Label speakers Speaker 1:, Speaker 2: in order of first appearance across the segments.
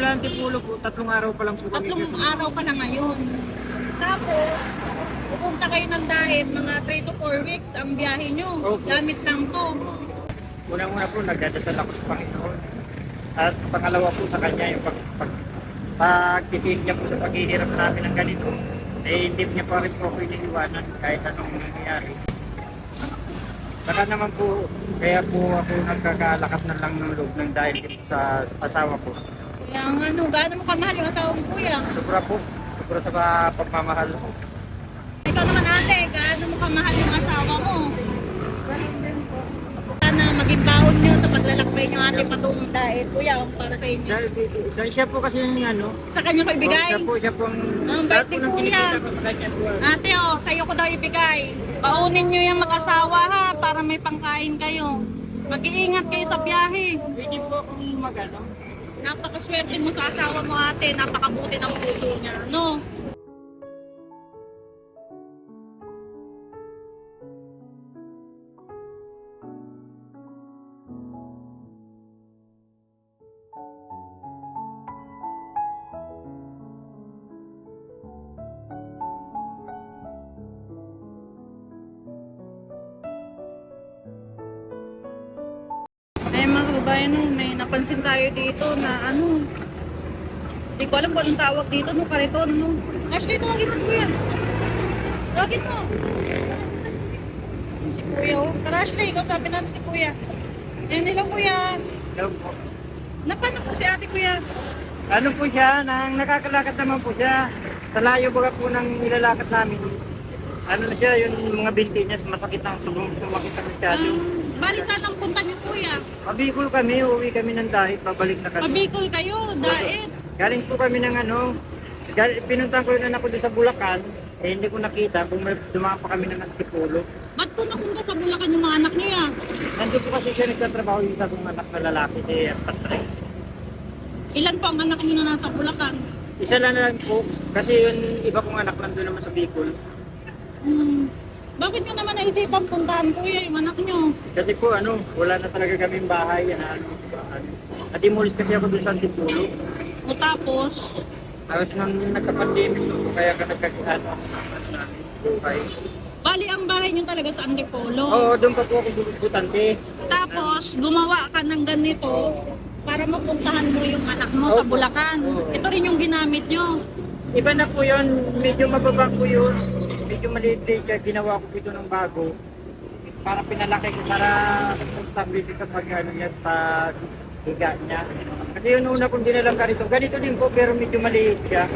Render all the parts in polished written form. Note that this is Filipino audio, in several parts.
Speaker 1: sa Antipolo po, 3 araw pa lang po kami.
Speaker 2: 3 araw pa na ngayon. Tapos, pupunta kayo ng Dait, mga 3 to 4 weeks ang biyahe nyo.
Speaker 1: Opo.
Speaker 2: Gamit lang to.
Speaker 1: Unang-una po, nagdadasal ako sa Panginoon. At pangalawa po sa kanya, yung pagtitig niya po sa paghihirap namin ng ganito, eh hindi niya pa rin po ako iniiwanan kahit anong nangyayari. Saka naman po, kaya po ako nagkakalakas na lang ng loob ng dahil dito sa asawa ko.
Speaker 2: Kaya ano, gaano mo kamahal yung asawa mo, kuya?
Speaker 1: Sobra po, sobra sa pagmamahal.
Speaker 2: Ikaw naman ate, gaano mo kamahal yung asawa mo? Sana maging baon nyo sa paglalakbay nyo ate patungong Dait. Kuya, para sa inyo.
Speaker 1: Siya po kasi yung ano,
Speaker 2: Sa kanya ko ibigay.
Speaker 1: siya po ang
Speaker 2: Ang
Speaker 1: lahat
Speaker 2: bait
Speaker 1: po
Speaker 2: ni
Speaker 1: ng
Speaker 2: Kuya.
Speaker 1: kinikita ko sa kanya po.
Speaker 2: Ate, oh, sa'yo ko daw ibigay. Baunin nyo yung mag-asawa ha, para may pangkain kayo. Mag-iingat kayo sa biyahe.
Speaker 1: Pwede po akong magano.
Speaker 2: Napakaswerte mo sa asawa mo ate, napakabuti ng puso niya, no? Ay mga kababayan, no, may napansin tayo dito na ano, hindi ko alam kung anong tawag dito, no, kariton, no. Ashley, tawagin mo si Kuya. Tawagin mo. Si Kuya, oh. Tara Ashley, ikaw sabi natin si Kuya. Yan nila Kuya.
Speaker 1: Hello po.
Speaker 2: Napanak po si ate Kuya.
Speaker 1: Ano po siya, nang nakakalakad naman po siya. Sa layo baga po ng nilalakad namin. Ano na siya, yung mga binti niya, masakit ang sumakit ang masyado.
Speaker 2: Bali saan ang punta niyo Kuya?
Speaker 1: Mabikol kami, uwi kami ng dahit, babalik na kami.
Speaker 2: Mabikol kayo, Dait.
Speaker 1: Galing po kami ng ano, pinuntahan ko yung anak ko doon sa Bulacan, eh hindi ko nakita, dumaan pa kami ng Antipolo.
Speaker 2: Ba't po napunta sa Bulacan yung mga anak niya?
Speaker 1: Nandun po kasi siya nagtatrabaho yung isa kong anak na lalaki, si Patrick.
Speaker 2: Ilan po ang anak niyo na nasa Bulacan?
Speaker 1: Isa lang po, kasi yung iba kong anak nandun naman sa Bicol.
Speaker 2: Bakit nyo naman naisipan puntahan Kuya yung anak nyo?
Speaker 1: Kasi po ano, wala na talaga kaming bahay, yan ano. Nadimulis kasi ako doon sa Antipolo.
Speaker 2: O tapos,
Speaker 1: Tapos nung nagka-pandemic po, kaya ka nagkakano buhay.
Speaker 2: bali ang bahay nyo talaga sa Antipolo.
Speaker 1: Oo, doon pa po ako butante.
Speaker 2: Tapos, gumawa ka ng ganito para mapuntahan mo yung anak mo sa
Speaker 1: Opo.
Speaker 2: Bulacan.
Speaker 1: Oo.
Speaker 2: Ito rin yung ginamit nyo.
Speaker 1: Iba na po yun, medyo mababa po yun. Medyo maliit-liit siya, ginawa ko ito ng bago. Para pinalaki ko, para stability sa pag-ano niya, pag-higa niya. Kasi yung una kong dinalang ganito din po, pero medyo maliit siya.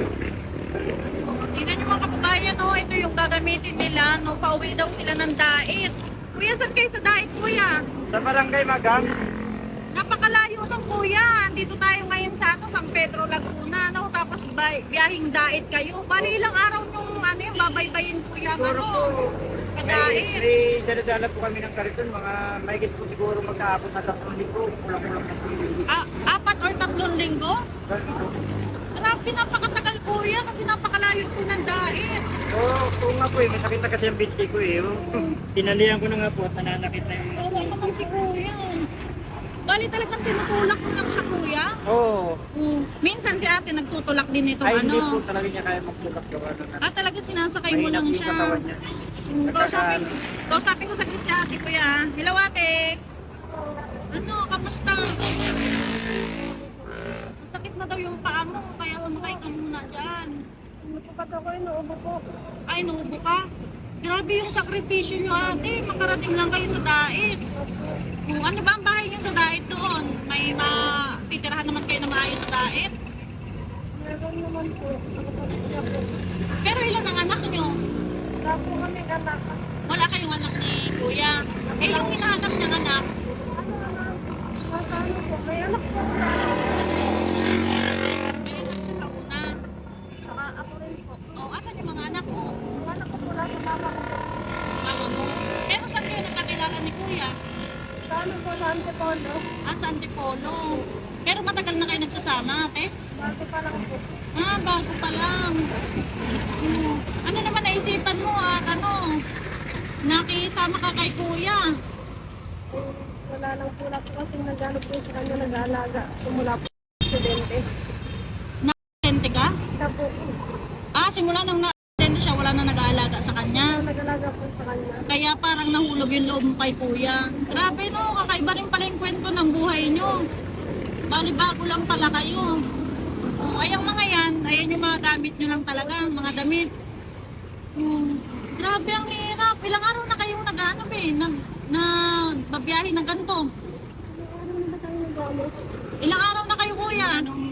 Speaker 2: Tingnan nyo mga kababayan, no? Ito yung gagamitin nila. No? Pauwi daw sila ng Dait. Kuya, saan kayo sa Dait, Kuya?
Speaker 1: Sa Barangay Magang,
Speaker 2: Napakalayo ng Kuya. Dito tayo ngayon sa ano, San Pedro, Laguna. No? Tapos biyahing Dait kayo. Bali ilang araw yung ano, yung babaybayin Kuya.
Speaker 1: siguro
Speaker 2: Ano?
Speaker 1: po,
Speaker 2: Kadait.
Speaker 1: may daladala po kami ng kariton, mga mahigit po siguro magkaabot na 3 linggo, kulang-kulang na po.
Speaker 2: 4 or 3 linggo? Grabe, napakatagal Kuya kasi napakalayo po ng Dait.
Speaker 1: Oo nga po eh, masakit na kasi ang binti ko eh. Tinalihan ko na nga po at nananakit na yung mga
Speaker 2: Oo naman si Kuya. Bali talagang tinutulak mo lang siya Kuya.
Speaker 1: Oo.
Speaker 2: Minsan si ate nagtutulak din ito
Speaker 1: Ay, hindi po
Speaker 2: ano.
Speaker 1: talaga niya kaya magtulak gawa na.
Speaker 2: Talagang sinasakay mo
Speaker 1: Mahina
Speaker 2: lang
Speaker 1: po yung
Speaker 2: siya.
Speaker 1: katawan niya.
Speaker 2: Kausapin ko saglit si ate Kuya. Hello ate. Ano, kamusta? Sakit na daw yung paa mo, kaya sumakay ka muna dyan.
Speaker 3: Kapag ako inuubo po.
Speaker 2: Ay, nuubo ka? Grabe yung sakripisyo nyo ate, makarating lang kayo sa Dait. Ano ba ang bahay nyo sa Dait doon? May matitirahan naman kayo na maayos sa Dait?
Speaker 3: Meron naman po. Sa kapatid niya po.
Speaker 2: Pero ilan ang anak nyo?
Speaker 3: Wala po kami anak.
Speaker 2: Wala kayong anak ni Kuya. Eh, yung hinahanap niyang anak,
Speaker 3: Ano po? May anak po sa
Speaker 2: may anak siya sa una.
Speaker 3: saka ako rin po.
Speaker 2: O, asan yung mga anak mo?
Speaker 3: Yung anak ko mula sa mama ko po.
Speaker 2: Mama mo. Pero saan kayo nagkakilala ni Kuya?
Speaker 3: Sa ano po sa Antipolo.
Speaker 2: Sa Antipolo. Pero matagal na kayo nagsasama, ate?
Speaker 3: Bago pa lang po.
Speaker 2: Bago pa lang. Ano naman naisipan mo at ano? Nakisama ka kay Kuya.
Speaker 3: Wala lang po na po kasi nagano po sa kanya nag-aalaga. Simula po sa aksidente.
Speaker 2: simula nung na-attend siya, wala na nag-aalaga sa kanya.
Speaker 3: Nag-alaga po sa kanya.
Speaker 2: Kaya parang nahulog yung loob mo kay kuya. Grabe no, kakaiba rin pala yung kwento ng buhay nyo. Bali bago lang pala kayo. O, ay ang mga yan, ayan yung mga gamit nyo lang talaga, mga damit. Grabe ang hirap. Ilang araw na kayong nag-ano nagbabiyahe na ganito.
Speaker 3: Ano ba tayo nag-ano?
Speaker 2: Ilang araw na kayo kuya?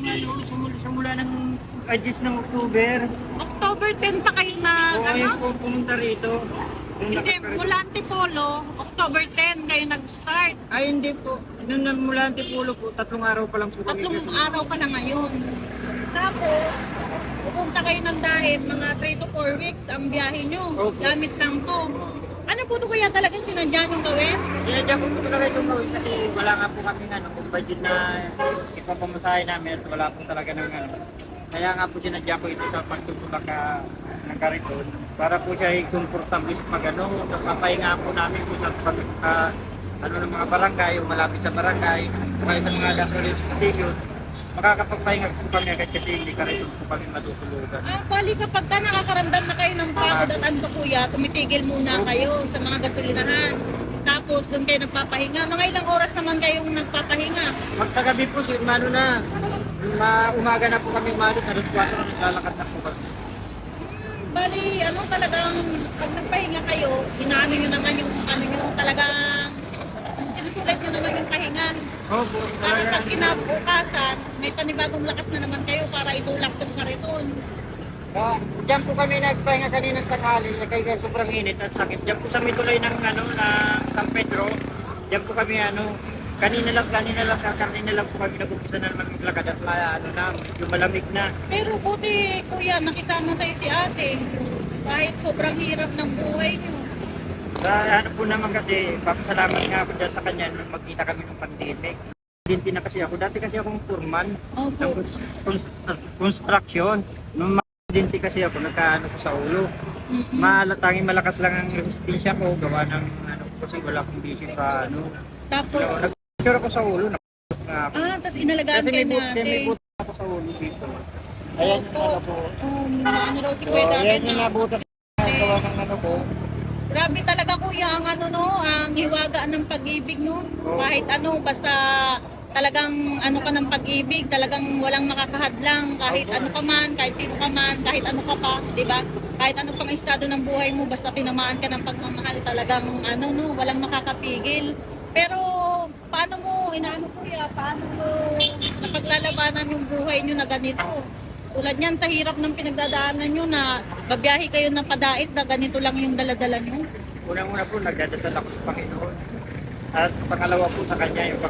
Speaker 1: Simula ng adjust ng October.
Speaker 2: October 10 pa kayo na
Speaker 1: Oo,
Speaker 2: ano?
Speaker 1: ayun po pumunta rito. Nung
Speaker 2: Hindi,
Speaker 1: nakapag-
Speaker 2: mula Antipolo, October 10 kayo nag-start.
Speaker 1: Ay, hindi po. Nung mula Antipolo po, 3 araw pa lang po kami.
Speaker 2: Tatlong araw pa na ngayon. Tapos, pupunta kayo ng dahil, mga 3 to 4 weeks ang biyahe nyo.
Speaker 1: Opo.
Speaker 2: Gamit lang to. Ano po ito kuya talagang sinadya nyo gawin?
Speaker 1: Sinadya ko po talaga itong gawin kasi wala nga po kami kung budget na ipapamasahe namin at wala po talaga ng ano. Kaya nga po sinadya ko ito sa pagtutulak ng kariton para po siya ay komportable pag ano, sa papahinga po namin po sa ano ng mga barangay o malapit sa barangay, kaya sa mga gasoline station, makakapagpahinga po kami agad kasi hindi kariton po kami matutulugan.
Speaker 2: Bali kapag ka nakakaramdam na kayo ng pagod at ano kuya, tumitigil muna kayo sa mga gasolinahan. Tapos doon kayo nagpapahinga. Mga ilang oras naman kayong nagpapahinga?
Speaker 1: Magsagabi po, ano na, umaga na po kami umalis, alas 4 na naglalakad na po kami.
Speaker 2: Bali, ano talagang pag nagpahinga kayo, inaano nyo naman yung ano nyo, talagang sinusulit nyo naman yung pahinga.
Speaker 1: Opo,
Speaker 2: Para pag kinabukasan, may panibagong lakas na naman kayo para itulak tong kariton.
Speaker 1: Diyan po kami nagpahinga kanina sa tanghali, kaya sobrang init at sakit. Diyan po sa may tulay ng San Pedro, diyan po kami kanina lang po kami nag-umpisa na naman maglakad at medyo malamig na.
Speaker 2: Pero buti kuya, nakisama sa'yo si ate. Kahit sobrang hirap ng buhay nyo.
Speaker 1: Sa po naman kasi, papasalamat nga ako dyan sa kanya nung magkita kami ng pandemic. Hindi na kasi ako, dati kasi akong foreman ng
Speaker 2: Opo.
Speaker 1: construction. Nung dinti kasi ako, nagkaano ko sa ulo. Tanging malakas lang ang resistensya ko, gawa ng kasi wala akong bisyo sa
Speaker 2: Tapos,
Speaker 1: nag-picture ako sa ulo, nakapos nga ako.
Speaker 2: tapos inalagaan
Speaker 1: Kasi
Speaker 2: kayo
Speaker 1: may
Speaker 2: natin.
Speaker 1: butas ako sa ulo dito. Ayan yung
Speaker 2: Opo.
Speaker 1: po.
Speaker 2: Ano daw si
Speaker 1: So,
Speaker 2: kuya dati
Speaker 1: ayan yung
Speaker 2: na.
Speaker 1: nabutas na gawa ng ko.
Speaker 2: Grabe talaga kuya ang ang hiwaga ng pag-ibig no.
Speaker 1: Oo.
Speaker 2: Kahit basta talagang ka ng pag-ibig, talagang walang makakahadlang kahit
Speaker 1: Oo.
Speaker 2: ano ka man, kahit sino ka man, kahit ano ka pa, 'di ba? Kahit ano pang estado ng buhay mo, basta tinamaan ka ng pagmamahal, talagang walang makakapigil. Pero paano mo paano mo napaglalabanan yung buhay nyo na ganito? Tulad niyan sa hirap ng pinagdadaanan nyo na babiyahe kayo ng padait na ganito lang yung daladala nyo.
Speaker 1: Unang-una po, nagdadasal ako sa Panginoon. At pangalawa po sa kanya, yung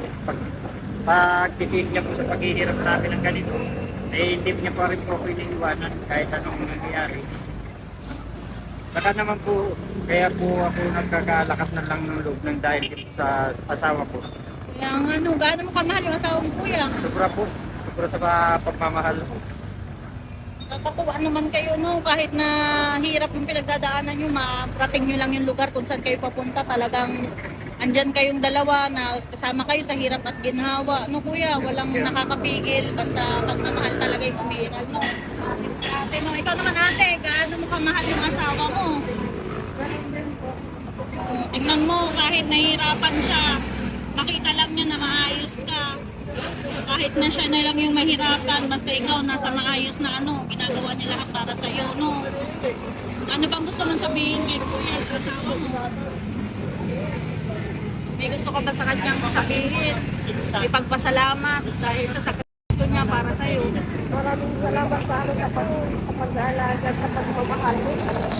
Speaker 1: pagtitig niya po sa paghihirap namin ng ganito, hindi niya pa rin po ako iniiwanan kahit anong nangyayari. Baka naman po, kaya po ako nagkakalakas na lang ng loob ng dahil sa asawa ko.
Speaker 2: Kaya gaano mo kamahal yung asawa mo kuya?
Speaker 1: Sobra po, sobra sa pagmamahal ko.
Speaker 2: Nakakatuwa naman kayo kahit na hirap yung pinagdadaanan nyo, marating nyo lang yung lugar kung saan kayo papunta, talagang andyan kayong dalawa na kasama kayo sa hirap at ginhawa. Kuya, walang nakakapigil, basta pagmamahal talaga yung umiiral mo. Ate, ikaw naman ate, gaano mo kamahal yung asawa mo? Tingnan mo, kahit nahihirapan siya, makita lang niya na maayos ka. Kahit na siya na lang yung mahirapan, basta ikaw nasa maayos na ginagawa niya lahat para sa iyo, Ano bang gusto mong sabihin kay kuya sa asawa mo? May gusto ka ba sa kanyang sabihin? Ipagpasalamat dahil sa sakripisyo niya para sa iyo.
Speaker 3: Maraming salamat sa sa pag-aalaga at sa pagmamahal mo.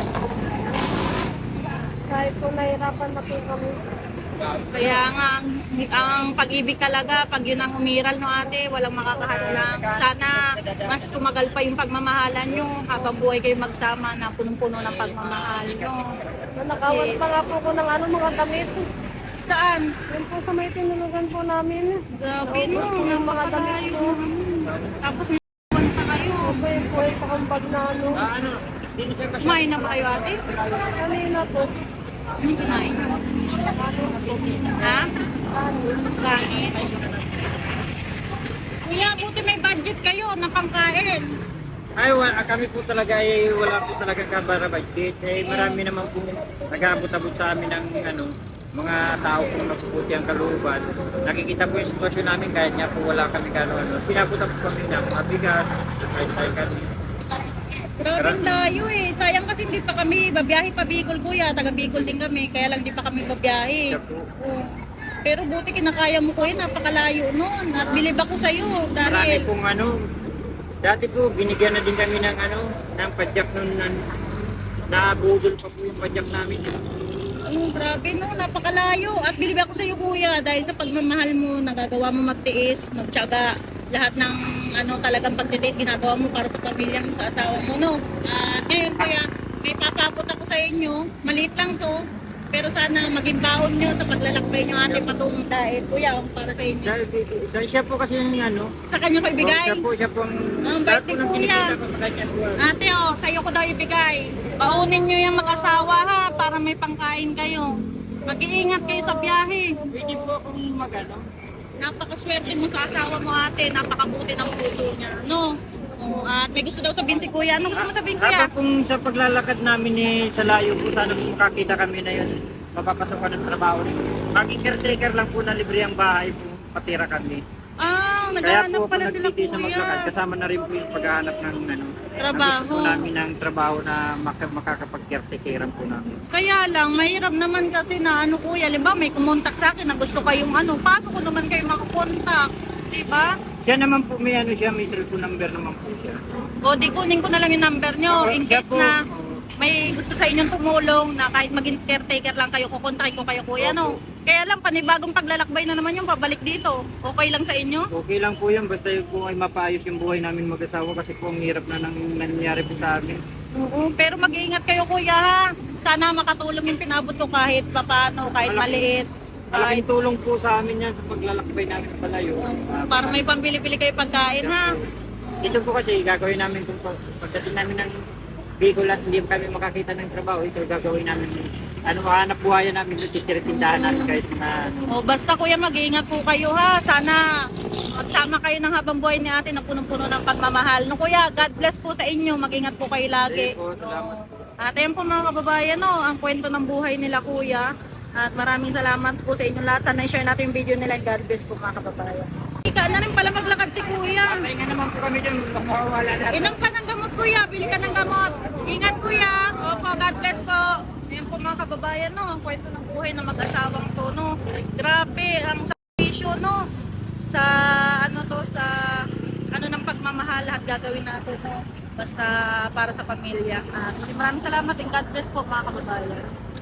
Speaker 3: Kahit po nahirapan na po kami.
Speaker 2: Kaya nga, ang pag-ibig talaga, pag yun ang umiral ate, walang makakahadlang. Sana mas tumagal pa yung pagmamahalan nyo habang buhay kayo magsama na punong-puno ng pagmamahal nyo.
Speaker 3: Nanakawan pa nga po ko ng mga damit.
Speaker 2: Saan?
Speaker 3: Yan po sa may tinulugan po namin.
Speaker 2: Grabe
Speaker 3: Naubos po yung mga damit ko.
Speaker 2: Tapos naiwan pa kayo.
Speaker 3: Opo yung po sa kumpag na
Speaker 2: Kumain na ba kayo ate?
Speaker 3: Kanina po.
Speaker 2: Anong kinain nyo? Ha? Kanin. Kuya, buti may budget kayo na pangkain.
Speaker 1: Ay, kami po talaga ay wala po talaga kabara-budget. Eh, marami naman po nag-abot-abot sa amin ng mga tao po mapuputi ang kalooban. Nakikita po yung sitwasyon namin kahit nga po wala kami ano. Pinabot-abot kami ng mga bigas, kahit kami.
Speaker 2: Grabe ang layo eh. Sayang kasi hindi pa kami babiyahe pa Bicol kuya. Taga Bicol din kami. Kaya lang di pa kami babiyahe.
Speaker 1: Siya po.
Speaker 2: Oo. Pero buti kinakaya mo kuya. Napakalayo nun. At bilib ako sa'yo.
Speaker 1: Marami
Speaker 2: Dahil
Speaker 1: pong dati po binigyan na din kami ng ng padyak nun nabudol pa po yung padyak namin.
Speaker 2: grabe no. Napakalayo. At bilib ako sa'yo kuya. Dahil sa pagmamahal mo, nagagawa mo magtiis, magtiyaga. Lahat ng talagang pagtitiis ginagawa mo para sa pamilya mo, sa asawa mo, no? At ngayon kuya, may papabot ako sa inyo. Maliit lang to. Pero sana maging baon nyo sa paglalakbay nyo ate patungong dahil kuya para sa inyo.
Speaker 1: Siya po kasi yung
Speaker 2: Sa kanya ko ibigay.
Speaker 1: siya po
Speaker 2: Ang
Speaker 1: lahat
Speaker 2: bait
Speaker 1: po
Speaker 2: ni
Speaker 1: ng
Speaker 2: kuya.
Speaker 1: kinikita ko sa kanya po.
Speaker 2: Ate sa'yo ko daw ibigay. Baunin nyo yung mag-asawa ha para may pangkain kayo. Mag-iingat kayo sa biyahe.
Speaker 1: Pwede po akong
Speaker 2: Napakaswerte mo sa asawa mo ate. Napakabuti ng puso niya. No? At may gusto daw sabihin si kuya. Ano gusto mo sabihin kuya?
Speaker 1: Habang kung sa paglalakad namin sa layo po, sana kung makakita kami na yun, mapapasok ka ng trabaho. Maging caretaker lang po na libre ang bahay po, patira kami.
Speaker 2: Ah,
Speaker 1: Kaya
Speaker 2: naghahanap
Speaker 1: po
Speaker 2: pala
Speaker 1: ako
Speaker 2: sila
Speaker 1: nagtitiis sa maglakad,
Speaker 2: kuya.
Speaker 1: kasama na rin po yung paghahanap ng
Speaker 2: Trabaho.
Speaker 1: gusto po namin ng trabaho na makakapag-caretakeran po namin.
Speaker 2: Kaya lang, mahirap naman kasi na kuya, liba may kumontak sa akin na gusto kayong paano ko naman kayo makakontak? Diba?
Speaker 1: Siya naman po may may cellphone number naman po siya.
Speaker 2: O di kunin ko na lang yung number nyo in
Speaker 1: Siya
Speaker 2: case
Speaker 1: po,
Speaker 2: na may gusto sa inyong tumulong na kahit maging caretaker lang kayo, kukontakin ko kayo kuya, no? Kaya lang, panibagong paglalakbay na naman yung babalik dito. Okay lang sa inyo?
Speaker 1: okay lang po yan, basta yung po ay mapaayos yung buhay namin mag-asawa kasi po ang hirap na nangyayari po sa amin.
Speaker 2: Oo, pero mag-iingat kayo kuya ha. Sana makatulong yung pinabot ko kahit papaano, kahit maliit.
Speaker 1: Malaking tulong po sa amin yan sa paglalakbay namin palayo.
Speaker 2: Para may pambili-bili kayo pagkain ha.
Speaker 1: Dito po kasi gagawin namin kung pagdating namin ng Bicol at hindi kami makakita ng trabaho, ito gagawin namin. Mahanap buhayan namin, titiritindahan namin kahit na
Speaker 2: O basta kuya, mag-iingat po kayo ha. Sana magsama kayo ng habang buhay ni ate na punong-puno ng pagmamahal. No kuya, God bless po sa inyo. Mag-ingat po kayo lagi.
Speaker 1: Sige po, salamat po.
Speaker 2: At ayan po mga kababayan, ang kwento ng buhay nila kuya. At maraming salamat po sa inyo lahat. Sana i-share natin yung video nila. God bless po mga kababayan. Ika na rin pala maglakad si kuya.
Speaker 1: Pahinga naman po kami dyan, makawala na.
Speaker 2: Inom ka ng gamot kuya, bili ka ng gamot. Ingat kuya. Opo, God bless po. Ayan po mga kababayan, ang kwento ng buhay ng mag-asawang to, no. Grabe, ang sakrisyo, no. Sa sa ng pagmamahal, lahat gagawin natin, no. Basta para sa pamilya. Maraming salamat and God bless po mga kababayan.